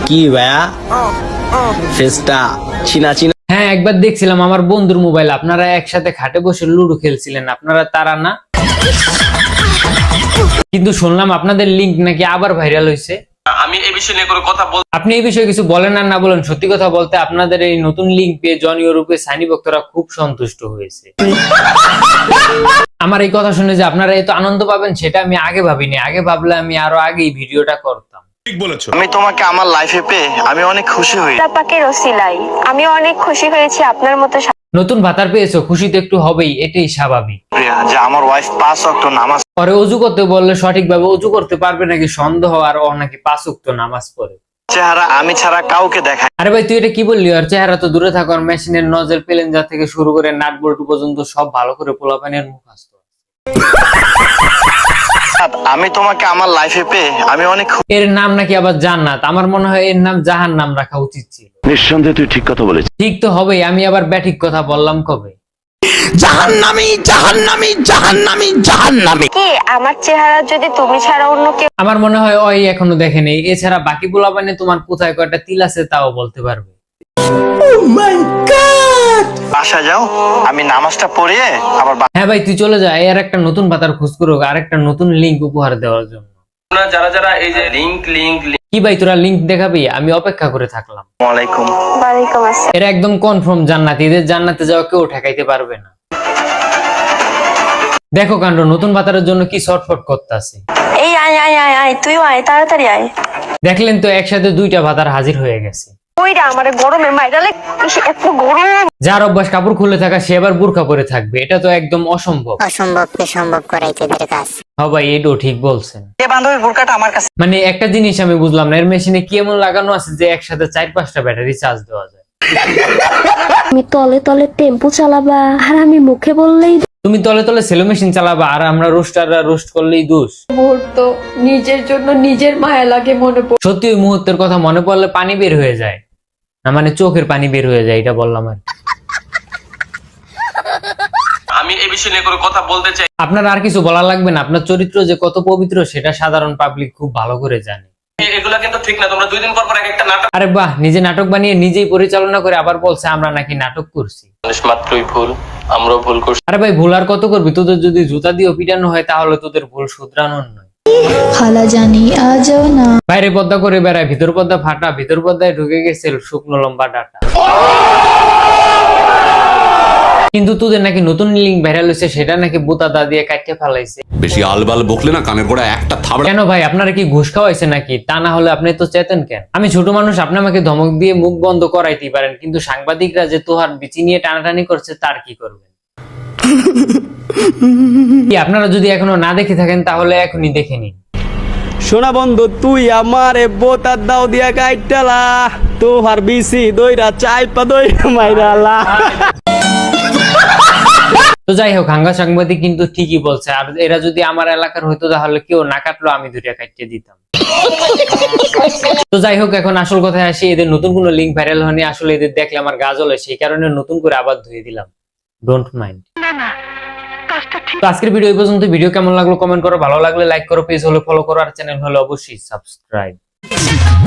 কি ভাইয়া ফেসটা চিনা চিনা। হ্যাঁ, একবার দেখছিলাম আমার বন্ধুর মোবাইল, আপনারা একসাথে খাটে বসে লুডো খেলছিলেন, আপনারা তারা না? কিন্তু শুনলাম আপনাদের লিংক নাকি আবার ভাইরাল হয়েছে। আমি এই বিষয় নিয়ে কোনো কথা বল। আপনি এই বিষয়ে কিছু বলেন আর না বলেন, সত্যি কথা বলতে আপনাদের এই নতুন লিংক পেয়ে জনীয় রূপে সানি ভক্তরা খুব সন্তুষ্ট হয়েছে। আমার এই কথা শুনে যে আপনারা এত আনন্দ পাবেন সেটা আমি আগে ভাবিনি। আগে ভাবলে আমি আরো আগেই ভিডিওটা করতাম। ঠিক বলেছো। আমি তোমাকে আমার লাইফে পেয়ে আমি অনেক খুশি হই। পাকের ওসিলাই আমি অনেক খুশি হয়েছি আপনার মতো। নতুন ভাতার পেয়েছো, খুশি তো একটু হবেই, এটাই স্বাভাবিক। প্রিয়া যে আমার ওয়াইফ 5 ওয়াক্ত নামাজ পরে অজু করতে বললে সঠিকভাবে অজু করতে পারবে নাকি সন্দেহ, আর ও নাকি 5 ওয়াক্ত নামাজ পড়ে। চেহারা আমি ছাড়া কাউকে দেখায়। আরে ভাই তুই এটা কি বললি? আর চেহারা তো দূরে থাকো, আর মেশিনের নজেল পেলেঞ্জা থেকে শুরু করে নাট বল্টু পর্যন্ত সব ভালো করে পোলাপানের মুখস্থ। আমি তোমাকে আমার লাইফে পেয়ে আমি অনেক এর নাম নাকি আবার জান্নাত। আমার মনে হয় এর নাম জাহান্নাম রাখা উচিত ছিল। নিঃসন্দেহে তুই ঠিক কথা বলেছিস। ঠিক তো হবেই, আমি আবার ব্যাঠিক কথা বললাম কবে? জাহান্নামী জাহান্নামী জাহান্নামী জাহান্নামী। কি আমার চেহারা যদি তুমি ছাড়া অন্য কেউ। আমার মনে হয় ওই এখনো দেখেনি। এছাড়া বাকি পোলাপানে তোমার কোথায় কয়টা তিল আছে তাও বলতে পারবে। বাসা যাও, আমি নামাজটা পড়িয়ে আবার হ্যাঁ ভাই তুই চলে যা, এর একটা নতুন ভাতার খোঁজ করো, আর একটা নতুন লিংক উপহার দেওয়ার জন্য। যারা যারা এই যে লিংক কি ভাই তোরা লিংক দেখাবি? আমি অপেক্ষা করে থাকলাম। ওয়ালাইকুম। ওয়ালাইকুম আসসালাম। এরা একদম কনফার্ম জান্নাতি, এদের জান্নাতে যাওয়া কেউ ঠেকাইতে পারবে না। দেখো কাণ্ড, নতুন ভাতারের জন্য কি শর্টফট করতেছে। এই আয় আয় আয় আয় তুইও আয়, তাড়াতাড়ি আয়। দেখলেন তো, একসাথে 2টা ভাতার হাজির হয়ে গেছে। ওইটা আমার গরমে মাইরালে এত গরম। যার অভ্যাস কাপড় খুলে থাকা সে আবার বোরকা পরে থাকবে, এটা তো একদম অসম্ভব। অসম্ভবকে সম্ভব করাই তোদের কাজ। হ্যাঁ ভাই এটাও ঠিক বলছেন। এই বান্ধবীর বোরকাটা আমার কাছে। মানে একটা জিনিস আমি বুঝলাম না, এর মেশিনে কি এমন লাগানো আছে যে একসাথে 4-5টা ব্যাটারি চার্জ দেওয়া যায়? তুমি তলে তলে টেম্পো চালাবা আর আমি মুখে বললেই তুমি তলে তলে সেলো মেশিন চালাবা আর আমরা রোস্টাররা রোস্ট করলেই দোষ। মুহূর্ত নিজের জন্য নিজের মায়া লাগে মনে পড়ে। সত্যি ওই মুহূর্তের কথা মনে পড়লে পানি বের হয়ে যায়, না মানে চোখের পানি বের হয়ে যায়, এটা বললাম আর। আমি এই বিষয় নিয়ে কোনো কথা বলতে চাই। আপনার আর কিছু বলা লাগবে না, আপনার চরিত্র যে কত পবিত্র সেটা সাধারণ পাবলিক খুব ভালো করে জানে। এগুলা কিন্তু ঠিক না। তোমরা 2 দিন পর পর এক একটা নাটক। আরে বাহ, নিজে নাটক বানিয়ে নিজেই পরিচালনা করে আবার বলছে আমরা নাকি নাটক করছি। মানুষ মাত্রই ভুল, আমরাও ভুল করছি। আরে ভাই ভুল আর কত করবি? তোদের যদি জুতা দিয়ে পিটানো হয় তাহলে তোদের ভুল শুধরানোর নয়। খালা জানি আজও না। বাইরে পর্দা করে বেড়ায়, ভিতর পর্দা ফাটা, ভিতর পর্দায় ঢুকে গেছে শুকনো লম্বা ডাটা। কিন্তু তোদের নাকি নতুন লিঙ্ক ভাইরাল হয়েছে, সেটা নাকি বোতাদা দিয়ে কাটতে ফেলাইছে। বেশি আলবাল বকলে না কানের গোড়া একটা থাবড়া। কেন ভাই আপনারা কি ঘুষ খাওয়াইছে নাকি? তা না হলে আপনি তো চেতেন কেন? আমি ছোট মানুষ, আপনি আমাকে ধমক দিয়ে মুখ বন্ধ করাইতেই পারেন, কিন্তু সাংবাদিকরা যে তোহার বিচি নিয়ে টানাটানি করছে তার কি করবেন? কি আপনারা যদি এখনো না দেখে থাকেন তাহলে এখনই দেখে নিন। সোনা বন্ধু তুই আমারে বোতার দাও দিয়া কাইটালা, তোহার বিসি দইরা চাইপা দইরা মাইরালা। তো যাই হোক, হাঙ্গা সাংবাদিক কিন্তু ঠিকই বলছে, আর এরা যদি আমার এলাকার হইতো তাহলে কেউ না কাটলো আমি 2টা কাটিয়ে দিতাম। তো যাই হোক, এখন আসল কথায় আসি। এদের নতুন কোনো লিঙ্ক ভাইরাল হয়নি, আসলে এদের দেখলে আমার গা জ্বলে, সেই কারণে নতুন করে আবার ধুয়ে দিলাম। Don't mind. তো আজকের ভিডিও এই পর্যন্ত। ভিডিও কেমন লাগলো কমেন্ট করো, ভালো লাগলে লাইক করো, পেজ হলে ফলো করো, আর চ্যানেল হলে অবশ্যই সাবস্ক্রাইব।